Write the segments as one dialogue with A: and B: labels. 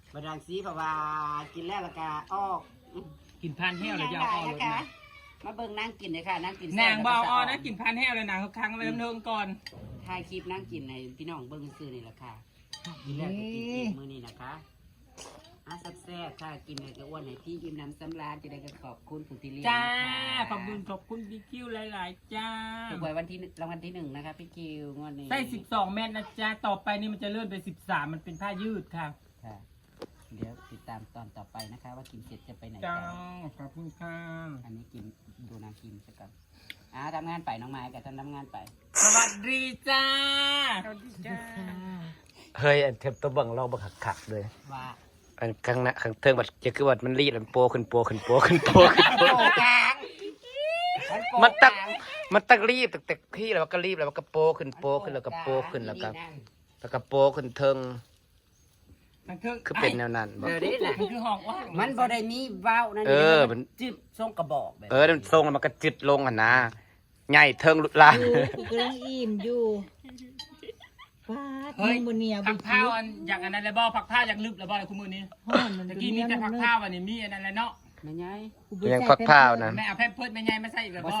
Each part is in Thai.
A: บดังสีเพราะว่ากินแล้วละกาออก
B: กินพันแห้วเลยจะเอาออกเลยนะ
A: มาเบิ่งนั่งกินเลยค่ะนั่งกิน
B: นางเบาอ้อนะกินพันแห้วเลยนางเขาค้างไว้เทิงก่อน
A: ถ่ายคลิปนั่งกินในพี่น้องเบิ่งซื้อนี่แหละค่ะกินแล้วก็กินอีกมื้อนี้นะคะแซ่บๆค่ะกินเลยก็อ้วนให้พี่กินน้ำสำราญจะได้ก็ขอบคุณผู้ที่เลี้ยง
B: จ้าขอบคุณพี่คิวหลายๆจ้า
A: ถูกไว้วันที่รางวัลที่1นะคะพี่คิวงวดนี้
B: ได้12 เม็ดนะจ้าต่อไปนี่มันจะเลื่อนไป13มันเป็นผ้ายืดค่ะ
A: ค่ะเดี๋ยวติดตามตอนต่อไปนะคะ ว่ากินเสร็จจะไปไหน
B: จ้า
A: ต่อ
B: ขอบคุณค่ะ
A: อันนี้กินดูนางกินสักก่อนทำงานไปน้องไม้กับทำงานไป
B: สวัสดีจ้าสวัสดีจ้า
C: เฮ้ยอันเทปตัวเบังเราบังขักเลย
A: ว่า
C: อันข้างหน้าข้างเทิงบัดจะคือว่ามันรีดมันโปขึ้นโปขึ้นโปขึ้นโปขึ้นโป
A: โปกลาง
C: มันตักรีบแต่พี่แล้วก็รีบแล้วก็โปขึ้นโปขึ้นแล้วก็โปขึ้นแล้วก็โปขึ้นเทิง
B: มันคือ
C: คือเป็นแนวนั้นบ่
A: เดี๋ยวนี้น่ะ
B: มันคือห้องว่าง
A: มันบ่ได้มีว้าวนั่น
C: เออ
A: มันจืดทรงกระบอกแบบ
C: มันทรงแล้วมันก็จิตลงหั่นนะใหญ่เทิงลุลาน
D: กูกำลังอิ่มอยู่ป้า
B: เฮ้ย
D: มึงบนเนี่ย
B: ผักผ้าอันอย่างอันนั้นเลยบ่ผักผ้าอย่างลึกเลยบ่ในคู่มือนี้
D: ห้อนมัน
B: ตะกี้มีแต่ผักผ้าวันนี้มีอันนั้นแหละเนาะ
A: ไม่ไง
C: ยังพักผ้าวนะ
B: แม่เอาแพมเพิร์ดแม่ใหญ่มาใส่อีกแล้ว
A: บ่
B: บ่
A: ใส่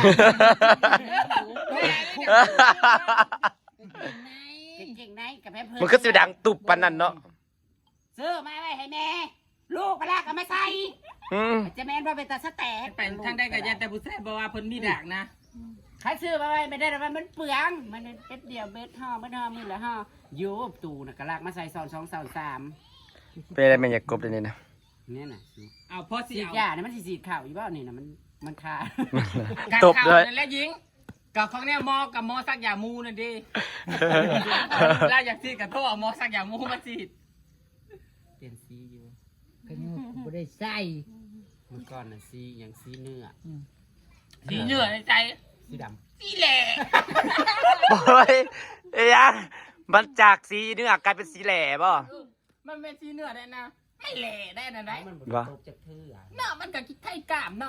A: เก่งๆไหนกับแม่เพิ่
C: มันก็สิดังตุบปานนั้นเนาะ
A: ซื้อมาไว้ให้แม่ ลูกก็ลากก็มาใส่
C: อืม
A: จะแม่นว่าเป็นตาสแตก
B: ไปทางได้กับยันแต่ผู้แซ่บบ่ว่าเพิ่นมีดักนะ
A: ใครซื้อมาไว้ไม่ได้หรอกมันเปลืองมันเป๊บเดียวเบ็ดห่อเบ็ดห่อมือละห่อโยบตูน่ะก็ลากมาใส่ซอน2 2 3
C: เป็นอะไรแม่อยากกบเลยวนี่นะ
A: เนี่ยน่ะ
B: เอาพอสิ
A: สีด
B: เอา
A: ยาเนี่ยมันสีดข่าวอีบ้านี่นะมันคา
B: การ
C: ตบ
B: ข่าว
C: เลย
B: นั่นแหละหญิงกับของเนี่ยหมอกับหมอสักยามูนั่นดิแล้วอยากสิกับโทษเอาหมอสักยามูมาสิ
A: เปลี่ยนสีอยู่
D: ก็ยังบ่ได้ใส่
A: เมื่อก่อนน่ะสีอย่างสีเนื้อ
B: สีเหนือในใจ
A: สีด
B: สีแหล่
C: โอ้ยเอ้ยยังมันจากสีเนื้อกลายเป็นสีแหล่บ่
B: มันเป็นสีเหนือได้นะไม่แหล่ได้นะ
A: ำ
B: ได้
A: มันบดตกจากเทือ
B: เนาะมันกับไข่กล้ามเนาะ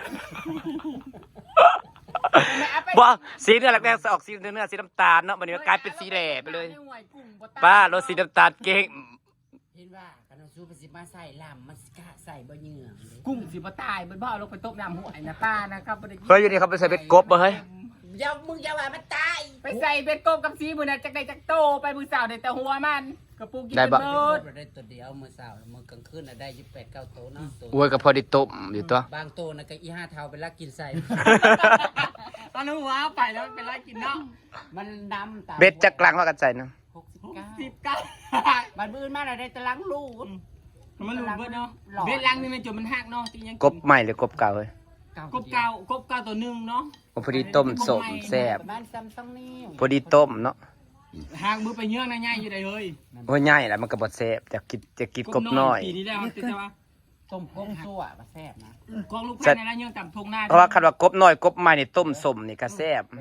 C: บ่สีเนื้อแรกๆออกสีเนื้อสีน้ำตาลเนาะมันนี้กลายเป็นสีแหล่ไปเลยป้ารถสีน้ำตาลเก่ง
A: เห็นว่ากันเอาซูไปสิมาใส่ลำมันกะใส่บ่เหงื่อเลย
B: กุ้งสิบ่ตายมันบ่เอาลงไปต้มน้ำหัวไอ้นะป้านะครับบ่ได้
C: เฮ้ยอยู่นี่เขาไปใส่เบ็ดกบบ่เฮ้ย
A: อย่ามึงอย่าว่ามันตาย
B: ไปใส่เบ็ดกบกับสีมื้อน่ะจักได้จักโตไปมื้อเช้าได้แต่หัวมันกระปุกกิน
C: ได้บ่
B: เบิ
A: โด
B: ด
A: ได้ตัวเดียวมื้อเช้ามื้อกลางคืนน่ะได้28 9โตเนาะตัว
C: โอ้ยก็พอได้ต้มอยู่ตัว
A: บางโตน่ะก็อี5เท่าไปลักกินใส่
B: ตอนนั้นหัวเอาไปแล้วมันเป็นไรกินเนาะ
A: มันดำตาม
C: เบ็ดจักรลังว่ากันใส่เนาะ
A: 69
B: 19
A: มันบื้นมาแล้วได้แตะลังลูก
B: มันหลุดเบิดเนาะเบ็ดลังนี่มันจนมันหักเนาะที่ยัง
C: กบใหม่หรือกบเก่าเฮ้ย
B: กบเก่าตัวหนึงเนาะ
C: โอ้พอดีต้มสมแซ่บ
A: ประมาณ2นิ้ว
C: พอดีต้มเนาะ
B: หางมือไปเยื่องนะง่ายอยู่ได้เลย
C: โอ้ยง่ายแหละมันก็บ่แซ่บจะกินกบน้อย
B: ปีนี้แล้วแต่ว่า
A: ต้มก้งซั่วก็แซ่บนะ
B: กองลูกพันในร้านเยื่องต่ำทงหน้า
C: เพราะว่าคันว่ากบน้อยกบใหม่นี่ต้มสมนี่ก็แซ่บ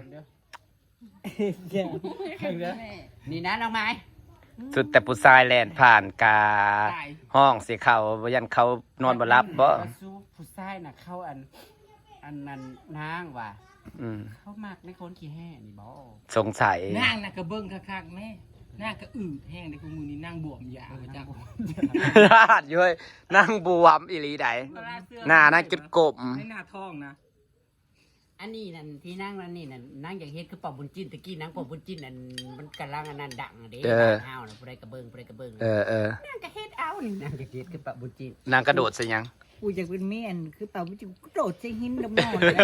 A: นี่นะน้องไม้
C: สุดแต่ผู้ชายแล่นผ่านกาห้องสิเขาบ่ยันเขานอนบ่หลับบ่
A: สู้ผู้ชายน่ะเข้าอันนั้นนางว่ะ
C: อืม
A: เขามักในคนขี้แห่นี่บ่
C: สงสัย
B: นั่งน่ะกระเบิ้งคักๆแม่นั่งกระอืดแห้งในกูมือนี่นั่งบวมยาวไปจัง
C: ลาดอยู่เฮ้ยนั่งบวมอีหลีใดหน้านั่งจุดกลม
B: ในหน้าท้องนะ
A: อันนี้นั่นที่นั่งนั่นนี่นั่นนั่งอย่างเฮ็ดคือปอบบุญจิ้นตะกี้นั่งปอบบุญจิ้นนั่นมันกำลังอันนั้นดังอะเด้เฮาน่ะผู้ใดกระเบิง
C: เออ
A: นั่งก็เฮ็ดเอานี่นั่งก็เฮ็ดคือปอบบุญจิ้น
C: นางกระโดดซะยัง
D: กูอยากเป็นเมียนคือเป่าวิจิกระโดดใส่หินดำนอนแล้ว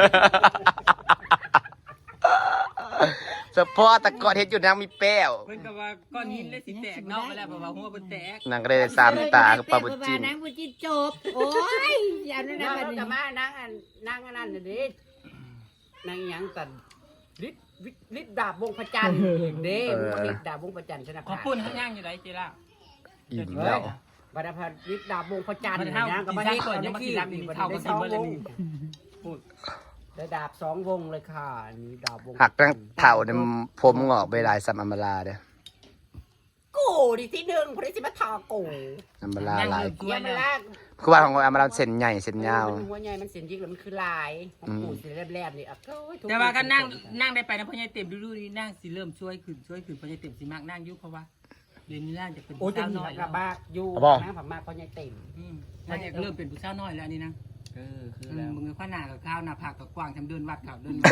C: เฉพาะแต่ก่อนเฮ็ดอยู่นางมีแป้ว
B: เพิ่นก็ว่าก้อนหินเลยสิแตกเนาะไปแล้วเพราะว่าหัวเพิ่นแตก
C: นางก็ได้สามตากับปลาบุญจิ้น
D: นางบุญจินจบ โอ้ยอย่านั่นนะ
A: นั่ง
D: บัด
A: ก็
D: นี้
A: มานั่งอันนั่งอันนั้นน่ะเด้นั่งหยังกันฤทธิ์ดาบวงพระจันทร์เด้ฤทธิ์ดาบวงพระจันทร์ชนะ
B: ขอปุ่นข้างย่างอยู่ไหนเจล่า
C: อิ่มแล้ว
A: บัดพัดฤทธิ์ดาบวงพระจันทร์
B: มันเท่า
A: นั่งก็มา
B: กิน
A: เฮ็ด
B: ก่อน
A: ก่อน
B: ยั
A: ยัง ง
B: มา
A: มา
B: กิ
A: กิ
B: น
A: น
B: ลำ
A: นี่
B: นี่
A: บัด
B: เท่า
A: ได้
B: กัน
A: สอง
B: เบิด
A: ว
B: เลย
A: ง
B: นี่พูด
A: ได้ดาบ2 วงเลยค่ะนี่ดาบวง
C: หักตั้งเถ่าเนี่ยผมงอกไปหลายซ้ำอัมบาลาเด้อ
A: กูดิที่1บ่ได้สิมาทากู
C: อัมบาลาหลาย
B: กล้วย
A: อย่ามา
B: นะ
A: ลาก
C: คือว่าของอัมบาลาเส้นใหญ่เส้นยาว
A: มันหัวใหญ่มันเสียนยิกแล้วมันคือลายของกูสิแลบๆนี่อ่ะโอ้ยทุก
B: แต่ว่าก็นั่งได้ไปนะพ่อใหญ่เต็มดูนี่นั่งสิเริ่มช่วยขึ้นพ่อใหญ่เต็มสิมากนั่งอยู่เพราะว่าเรียนนี่น่าจะเป็น
A: โอ้ย
B: ผู้
A: จะ
B: สาว
A: มี
B: น้อย
A: กระบากอยู่นะผักมากเพราะยังเต็ม
B: น่าจะเริ่มเป็นผู้สาวน้อยแล้วอันนี้นะ
A: คือแล้ว
B: มึงข้าหน้ากับข้าวหน้าผักกับกว้างทำเดินวัดเขาเดิน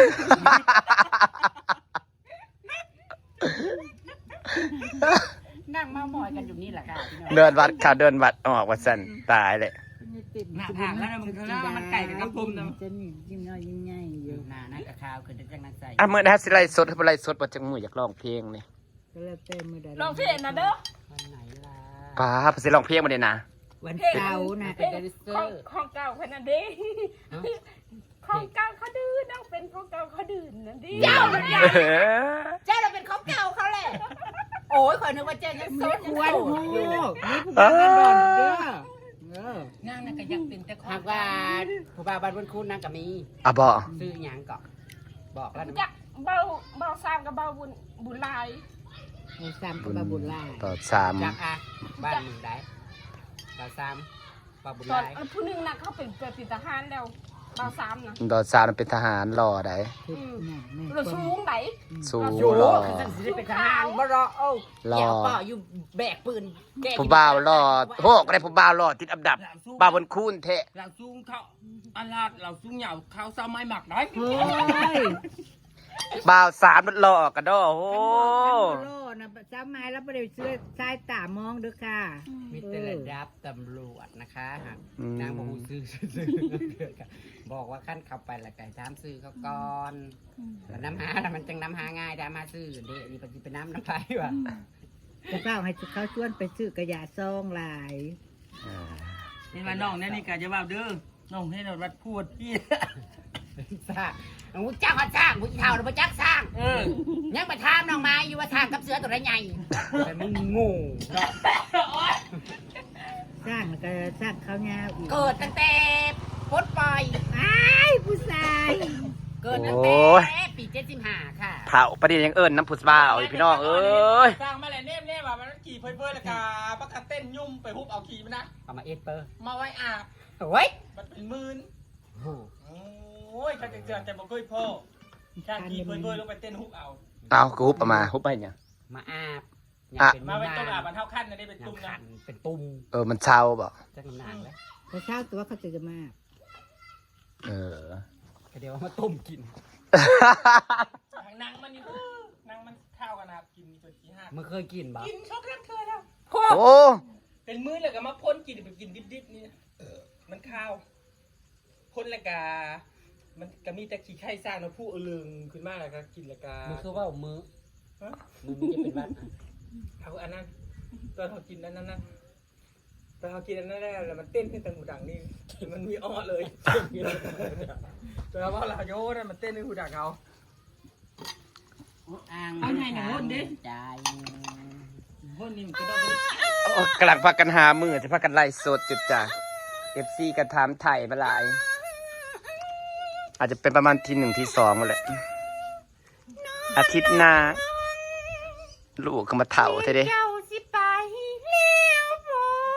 A: นั่งเมาหมอยกันอยู่นี่แหละค่ะพี่น้อง
C: เดินวัดค่ะเดินวัดออกว่าสั่นตายเลย
B: หน้าผักแล้วนะมึงข้างหน้ามันไก่กับกระพุ้มนะ
D: จะนี่ยิ่งน้อยยิ่งใหญ่อยู่
A: หน้านั่นกับข้าวคือจังนั้นใส่
C: อ่ะเมื่อนะสิไลฟ์สดให้ไลฟ์สดบ่จังมืออยากร้องเพลงนี่
D: ก็แล้วแต่มือใด
E: ลองเพลงนะเด้อ
A: วันไหนล่ะ
C: ป้าบสิร้องเพลงบ่ได้นะ
D: วันเสาร์นะ
A: เป็นแดนเซอ
E: ของ
A: ร์
E: ของเก่าขนาดนี้ของเก่าเขาดื้อต้องเป็นของเก่าเขาดื้อนั่นดิ
A: เจ้าเราเป็นของเก่าเขาแหละโอ้ยขอนึกว่าเจ้ายังโส
D: ไม่
A: ด
D: ควรหูนี่ผู้บ้านกันดอนเด้อ
B: นั่งน่ะก็ยังเป็นแต่ขอ
A: หาง กว่าผู้บ่าวบ้านบนคุณนั่งกับมี
C: อ่ะบ่
A: ซื้อหยังก่อนบอกแล้วนะ
E: จักเบาซ้ำกับเบาบุญลาย
D: ในซ้ำกับบาบุญลา
C: ต่อสาม
A: จักอ่ะบ้านมึงได้บ่าวซ้ำบ่าวบุญ
E: ตอน
A: ลาย
E: ผู้หนึงน่ะเขาเป็นทหารแล้วเบาซ้ำนะ
C: ต่อสามเป็นทหารรอได้
D: ทุกอย่างแม่
E: เราสูงไหน
C: สู้
A: โอ้
C: รอ
A: คือฉันสิได้เป็นทหารบ่รอเอ้าเกี่ยวป่ออยู่แบกปืนแก
C: ผู้บ่าวรอโหก็ได้ผู้บ่าวรอติดอันดับบ่าวบนคูนเทะ
B: เราสูงเขาอันลาดเราสูงเหยาเขาซ้ำไม้หมักได้
D: เฮ้ย
C: บ่าวสามมันรอกระดอโอ้
D: โลนะซ้ำไม้แล้วประเดี๋ยวเสื้อชายตามองเด้อค่ะ
A: มีแต่ระดับตำรวจนะคะหากนางบอกว่าซื้อบอกว่าขั้นขับไปและไก่ถามซื้อเขาก่อนแล้วน้ำหาแล้วมันจังน้ำหาง่ายได้มาซื้อเด็นี่ปฏิเป็นน้ำไปว่ะ
D: จะเฝ้าให้เขาชวนไปซื้อกระยาซองหลาย
B: นี่มาน้องนี่นี่กะจะว่าเด้อน้องให้เราวัดพูดพี่
A: สร้างงูจ้างเขาสร้างงูเท่าหรือว่าจักสร้าง ยังไปถามน้องไม้อยู่ว่าทางกับเสือตัวไหนใหญ่แต่มึงงูเนาะ
D: สร้างแล้วก็สร้างเขาวเหงาอีก
A: เกิดตั้งแต่ปลดปล่อย
D: อ้ายผู้ชาย
A: เกิดตั้งแต่ปี75ค่ะ
C: เผาประเดี๋ยวยังเอิญน้ำผุดบ่าวอีกพี่น้องเอ้ย
B: สร้างมาแล้วเน่ว่ามันขี่เพื่อนๆแล้วก็ประกาศเต้นยุ่มไปฮุบเอาขี่มันนะ
A: เอามาเอสเปอร์
B: มาไว้อาบ
A: โอ้ย
B: มันเป็นหมื่น
A: โอ้
B: โอ้ยข้าจะเจอแต่บ่เคยพ่อข้าขี่เพื่อนๆลงไปเต้นฮุบเอา
C: เอากูฮุบออกมาฮุบไปเนี่ย
A: มาอาบ
B: มาไว้ต้มอาบมันเท่าขั้นนะนี่เป็นตุ้มนะ
A: เป็นตุ่ม
C: มันเช่าบ่
A: จักน้ำหนักแล้ว
D: แต่เช้าตัวเขาจะมา
C: เออ
A: เดี๋ยวมาต้มกิน
B: ทางนางมันนี่นางมันข้าวกันนะครับกินจนที่ห้า
A: มึงเคยกินบ่
B: กินช็อกโกแลตเคยแล้ว
C: โอ้
B: เป็นมื้อเลยก็มาพ่นกินแบบกินดิบๆนี่มันข้าวพ่นแล้วก็มันก็มีแต่ขี้ไข่สร้างแล้วผู้เอลึงขึ้นมาแล้วก็กินแล้วก็
A: มึงคือว่ามือ
B: ฮะ
A: มึงจะเป็นวัด
B: เอาอันนั้นตอนเขากินอันนั้นนะตอนเขากินอันนั้นแล้วมันเต้นขึ้นตรงหูดังนี่มันมีอ้อเลยตอนว่าเราโยนมันเต้นในหูดังเขา
A: อ่าง
B: เอาไหนหน่อยโหดดิ
A: ใจ
B: พ่นนี่มันก็ต้อง
C: โอ้กำลังพากันหามือจะพากันไล่สดจุดจ้ะ FC กันถามไถ่มาหลาย อาจจะเป็นประมาณที่1ที่2มาแหละ อาทิตย์หน้า ลูกก็มาเถ่าเท่เด้
E: เจ้าสิไปแล้วบ่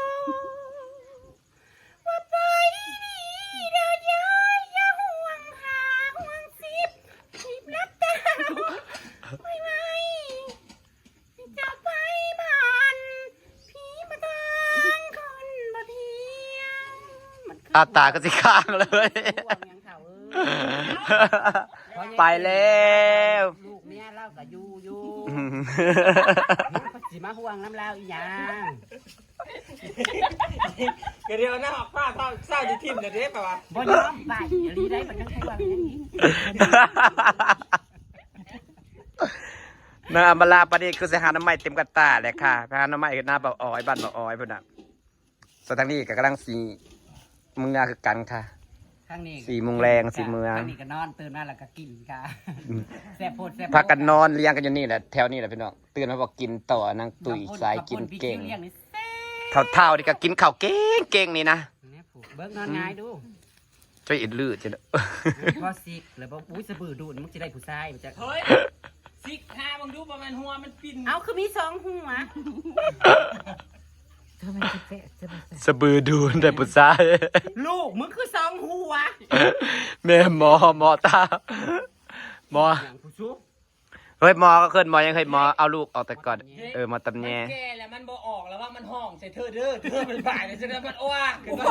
E: ว่าไปดีเด้อยายอย่าห่วงหาห่วงสิบนับตาไม่ไหวจะไปบ้านผีมาทางคนบ่เพียงมันคือ
C: อาตาก็สิข้างเลย
A: ห่วงยังเถ่าเอ้ย
C: ไปแล้ว
A: ลูกเนี่ยเล่ากับยูสิมาห่วงน้ำเล่าอีหยัง
B: เดี๋ยวหน้าป้าเศร้าที่ทิมเดี๋ยวเด้ป่าวะ
A: บ่ยอมไปรีได้มันต้องห่วงอย่างนี้
C: นาอำมาลาประเดี๋ยวคือสิหาน้ำไม้เต็มกระตาเลยค่ะหาน้ำไม้หน้าเบาอ้อยบ้านเบาอ้อยพุ่นน่ะส่วนทางนี้ก็กำลังสีมึงงาคือกันค่ะ
A: ข้างนี้
C: 4 โมงแรง4 เมือง
A: ข้างนี้ก็นอนตื่นมาแล้วก็กินค่ะแซ่บโพดแซ่บ
C: พักกันนอนเลี้ยงกันอยู่นี่แหละแถวนี้แหละพี่น้องตื่นมาบอกกินต่อนางตุ๋ยสายกินเก่ง
A: เลี้ยงนี่แซ่บ
C: เท่าๆนี่ก็กินข้าวเก่งๆนี่นะ
A: เนี่ยผูกเบิ้งนอนง่ายดู
C: ช่วยอิดลืดจ้ะ
A: บ่ซิกแล้วบ่อุ้ยสะบือดูดมึงสิได้ผู้ชายมันจะ
B: เฮ้ยซิกหาบังดูประมาณหัวมันปิ่น
A: เอาคือมี2หัว
D: ทำไมจะแปะจะมาใส่
C: สะบือดูนแต่ปุษาย
A: ลูกมึงคือ2หัว
C: แม่หมอตาหมอ
A: อย่างผู้ชู
C: เฮ้ยหมอก็เคยหมอยังเคยหมอเอาลูกออกแต่ก่อนหมอตำแย
B: มันแก่แล้วมันบ่ออกแล้วว่ามันห้องใส่เธอเด้อเธอเป็นฝ่ายเลยฉะนั้นมันอ้วกขึ้นมา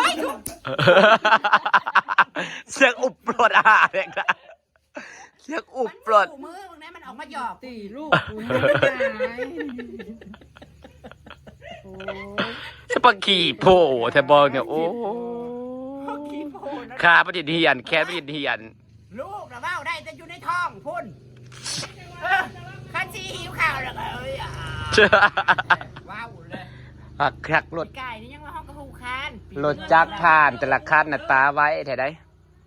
C: เสียงอุบปลดอาหารเลยนะเสียงอุบปลด
A: มือมึงนั้นมันออกมาหยอก
D: ตีลูกกูให้ได้ไหมโอ้ย
C: สปาขี่โผล่แต่บอกเนี่ยโอ้ขาประดิษฐ์เหียนแค่ประดิษฐ์เหียน
A: ลูกนะเบ้าได้แต่อยู่ในท้องพุ่นข้าชีหิวข่าวแล้วก็เอ้ยว้าวเลย
C: หักคักรถ
A: ไก่นี่ยังมาห้องกระหูคาน
C: รถจักรผ่านแต่ละคันน่ะตาไว้แถวใด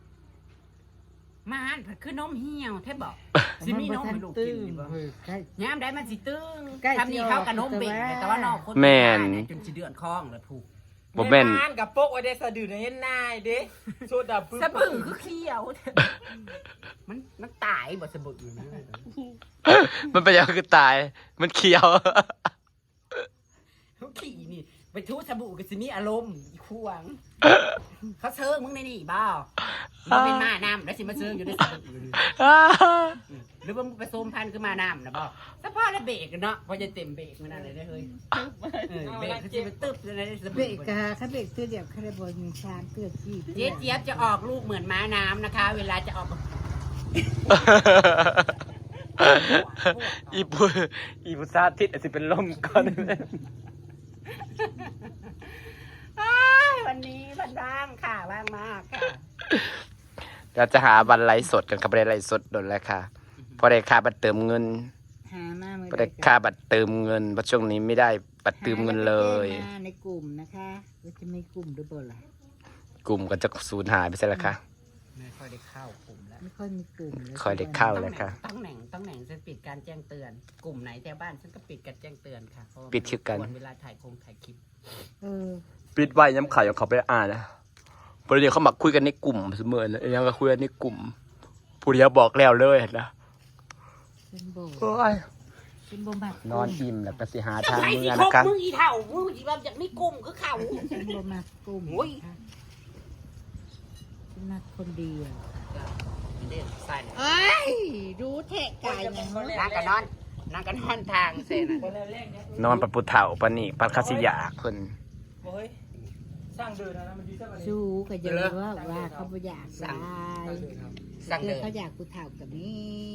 A: มาหันผัดคือนมเหี่ยวแทบบอกสิมีนมให้ลูกกินดีบ่ ยามได้มันสิตึงทำนี่เข้ากับนมเบ่งแต่ว่านอกคนจนสิเดือนคล้องแล้วถูก
C: บ่แม่น
B: ในบ้านกับโป๊กไว้ได้สะดือในเห็นนายเด้โซดาปึ๊บ
A: สะบึ่งคือเขียวมันตายบ่สะบึ่งนะ
C: มันเป็นยังคือตาย มันเขียว
A: เขาขี่นี่ไปทูสบู่กับสิมีอารมณ์อีขวงเขาเชิงมึงในนี่บ้ามันเป็นมาน้ำแล้วสิมาเชิงอยู่ในสบู่หรือว่ามึงไปโซมพันคือมาน้ำนะบ้าสะพอแล้วเบรกเนาะพอจะเต็มเบรกมันอะไรได้เฮ้ยเบรกคือจะไปตึ๊บในส
D: เบร
A: บู่
D: กกะเขาเบรกเตือเดียวเขาได้บอลมีชามเตือขี้
A: เจี๊ยบจะออกลูกเหมือนม้าน้ำนะคะ เวลาจะออก
C: อีพุซาทิศอาจจะเป็นลมก่อน
A: วันนี้วันว่างค่ะว่างมากค่ะ
C: เราจะหาบันไลฟ์สดกันครับบันไลฟ์สดโดนแล้วค่ะพอได้ค่าบัตรเติมเงิน
D: หามาเมื่อ
C: พอได้ค่าบัตรเติมเงินเพราะช่วงนี้ไม่ได้บัตรเติมเงินเลย
D: หาในกลุ่มนะคะว่าจะไม่กลุ่มด้วยบ่ล่ะ
C: กลุ่มก็จะสูญหายไปใช่แล้วค่ะ
A: ไม่ค่อยได้เข้ากลุ่มแล้ว
D: ไม่ค่อยมีกลุ่มเลย
C: ค่อยได้เข้า เลยค่ะ
A: ต้องแหน่งฉันปิดการแจ้งเตือน กลุ่มไหนแถวบ้านฉันก็ปิดการแจ้งเตือนค่ะเพราะว่า
C: ปิดคือกัน
A: เวลาถ่ายคลิป
D: เออ
C: ปิดไว้ย้ำข่าวอย่างเขาไปอ่านนะพอเดี๋ยวเขามาคุยกันในกลุ่มเสมอนะยังก็คุยกันในกลุ่มผู้เดียวบอกแล้วเลยนะ
D: เป็นโบ
C: โอ้ย
D: เป็นโบมัก
C: นอนอิ่มแล้วก็สิหาทาง
A: ไอ้
C: เมื
A: ที่
C: อง
A: คร
C: นะ
A: บ
C: ครับ
A: มึงอีเท่ามึงอีแบบจากนี่กลุ่มคือเขา
D: เป็นโบมักกลุ่ม
A: โอ้ย
D: เป็นมักคนเดียว
A: เด่นใส่
D: เอ้ยรู้เทะไก่ยัง
A: นั่งกันนอนทางเส้น
B: คนแรกเนี่ย
C: นอนปัดปุเถ่าปานนี่ปัดคาสิยาเพิ่น
B: โอ้ยสร้างเดินนะมันดีสักวันนี้
D: สู้ก็จะรู้ว่าเขาไม่อยากได้
A: สั่ง
D: เพื่
A: เดิ
D: อน เขาอยากกูเถ่ากับนี่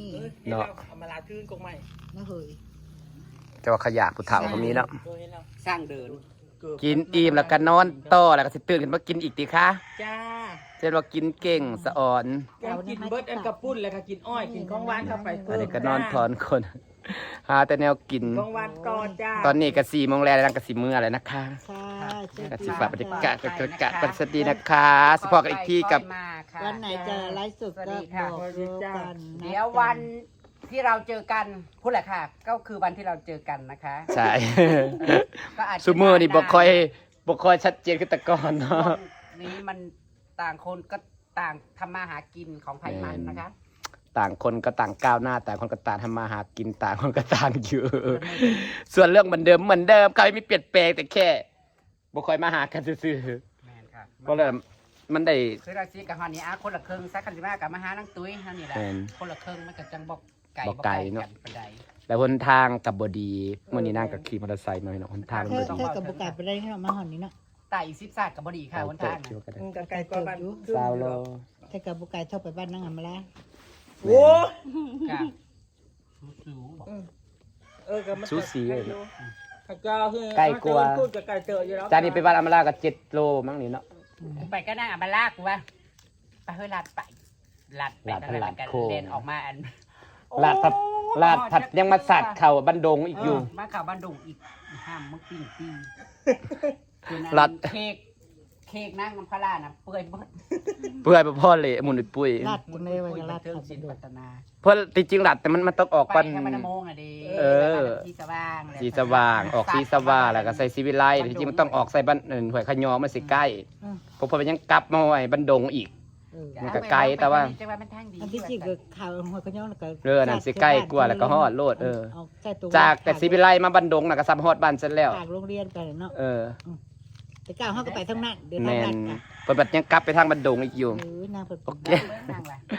B: เนาะเอามาลาทื่นกงใหม่
D: นะเฮ้ย
C: แต่ว่าขยะปุเถ่าก็มีแล้ว
B: ตัวเห็นแล้ว
A: สร้างเดิน
C: กินอิ่มแล้วก็นอนต่อแล้วก็สิตื่นขึ้นมากินอีกติคะ
B: จ้า
C: เช่นว่ากินเก่งสะอ่อน
B: แกงกินเบิร์ดอันกระปุ้นแล้วก็กินอ้อยกินของหวานเข้าไป
C: อั
B: เพิ่
C: น
B: ม
C: นี้ก็นอนทอนคน หาแต่แนวกิน
B: ของหวานก่อนจ้า
C: ตอนนี้ก็4 โมงแล้วนั่งก็สิมื้อแล้วนะคะ
D: ค่ะ
C: ก็สิฝากบรรยากาศบรรยากาศปัสดีนะคะสิพอกันอีกทีกับ
D: วันไหนจะไลฟ์สดก็บอกรู้กันนะ
A: เดี๋ยววันที่เราเจอกันพูดแหละค่ะ ก็คือวันที่เราเจอกันนะคะ
C: ใช่
A: ก็อาจจะ
C: ซุมื้อนี่บ่ค่อยชัดเจนคือแต่ก่อนเนาะ
A: นี้มันต่างคนก็ต่างทำมาหากินของไผ่มันนะคะ
C: ต่างคนก็ต่างก้าวหน้าต่างคนก็ต่างทำมาหากินต่างคนก็ต่างอยู่ ส่วนเรื่องเหมือนเดิมเขาไม่มีเปลี่ยนแปลงแต่แค่บ่ค่อยมาหากันซื่อ
A: แม่นค่ะ
C: ๆก็เลยมันได้
A: คือเราซีกับฮอนนี่คนละครึ่งซักกันสิมากับมาหานังตุ้ยเท่านี้แหละ
C: แม่น
A: คนละครึ่งมันก็จังบอกไก่
C: บอกไก่เนอะ
A: กันปานใด
C: แล้วหนทางกับบดีมื่อนี้นั่งกับขี่มอเตอร์ไซค์หน่อยเนาะหนทางมัน
D: เธ
C: บ่
D: อ
C: ดี
D: เธอกับบุกไก่ไปได้ให้เรามาหอนนี้เนาะ
A: ไต่ซิบซาดกับบดีค่ะวัน
C: เติ
A: ทา
C: บ
A: ง
C: คิวกันได้
B: กับไก่กว่าบ้าน
C: ซาวโล
D: เธอกับบุกไก่เท่าไปบ้านนั่งอำมาละ
B: โอ้
A: ค่ะสูงบอก
B: กับมัน
C: ซูซีเลย
B: เจ้าคือ
C: ไก่กลัว
B: พูดกับไก่เจออยู่แล้ว
C: จานนี้ไปบ้านอำมาลากับ7 โลมั้งนี่เนาะ
A: ไปก็นั่งอ่ะมาลากกูว่าไปเฮ้ยลาดไปลาดไป
C: ลาด
A: นั่นแหละกัน
C: โค้ง
A: เดินออกมาอัน
C: ลาดผัดยังมาสัตว์เข่าบันดงอีกอยู่
A: มาข่าวบ้านดุงอีกห้ามมึงปิ้งปีคือนั้น
C: รัด
A: เค้กนั่งน้ำพะลาน่ะเปื่อยเบิด
C: เพื่อให้พ่อเละหมุนปุ้ย
D: ลาดกันเลยวันลาด
A: เทิง
D: ขับ
A: ศิล
D: ดู
A: ป์ปัตนา
C: เพื่อจริงๆหลัดแต่มันต้องออก
A: ไป
C: ปัน
A: แค่มันโมงอ่ะดิ
C: เออ
A: สีสว่าง
C: สีสว่างออกสีสว่างแล้วก็ใส่สีวิไลจริงๆมันต้องออกใส่บ้านหวยขยอมันสิใกล้เพราะพอมันยังกลับมาไว้บันดงอีก มันก็ไกลแต่ว่า
A: จะว่ามันทางดี
D: อันที่จริงก็ข่าวหัวกระย่องแล้วก็
C: เรื่องนั้นสิใกล้กว่าแล้วก็ฮอดโลดจากแต่สีวิไลมาบันดงน่ะก็ซ้ำฮอดบ้านเสร็จแล้ว
D: ฝากโรงเรียนไปเนาะ แต่ก้าวเขาก็ไปทั้งนั้นเดิน
C: แม
D: ทางลั
C: น
D: ดกัน
C: เปิดบัดยังกลับไปทางบันดงอีกอยู่
D: นางเปิด
C: โอเค
A: นั่งล่ะ
C: โอ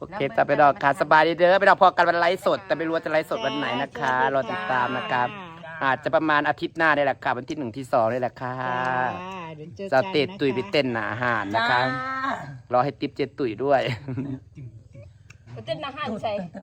C: โอเคจ้ะไปดอกค่ะสบายดีเด้อไปดอกพอกันวันไลฟ์สด แต่ไม่รู้ว่าจะไลฟ์สดวันไหนนะคะรอติดตามนะครับ อาจจะประมาณอาทิตย์หน้าได้แหละค่ะวันที่1 ที่ 2นี่แหละค่ะ
D: เดี๋ยวเจอ
C: จะ
D: กัน
C: เตะตุยไปเต้นหนาอาหารนะคะรอให้ติ๊บเจตุยด้วย
E: เต้นอาหารใส่